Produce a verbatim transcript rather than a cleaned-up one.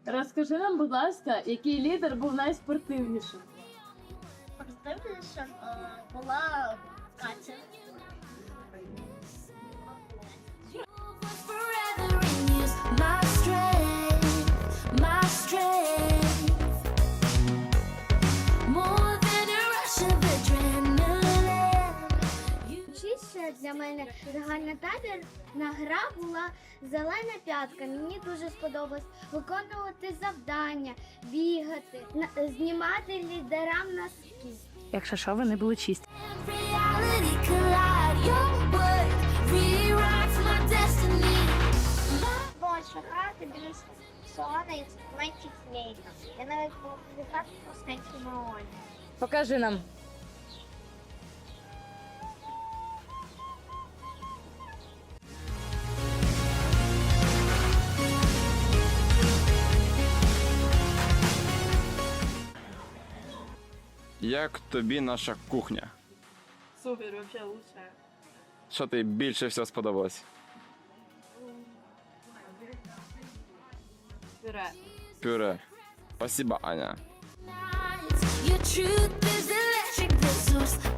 Розкажи нам, будь ласка, який лідер був найспортивнішим? Спортивніша е, була Катя. Forever in you's my strength, my strength. More than a rush of adrenaline. Чіше для мене загальнотабірна гра була зелена п'ятка. Мені дуже сподобалось виконувати завдання, бігати, на- знімати лідерам носки. Якщо що, вони були чисті. And reality collide. Your word rewrites my destiny. Більше грати біля салона інструментів лейка. Я навіть був вітати простенький маоні. Покажи нам. Як тобі наша кухня? Супер, вообще лучше. Що тобі більше всього сподобалось? Пюре. Пюре. Спасибо, Аня. Your truth is electric, the source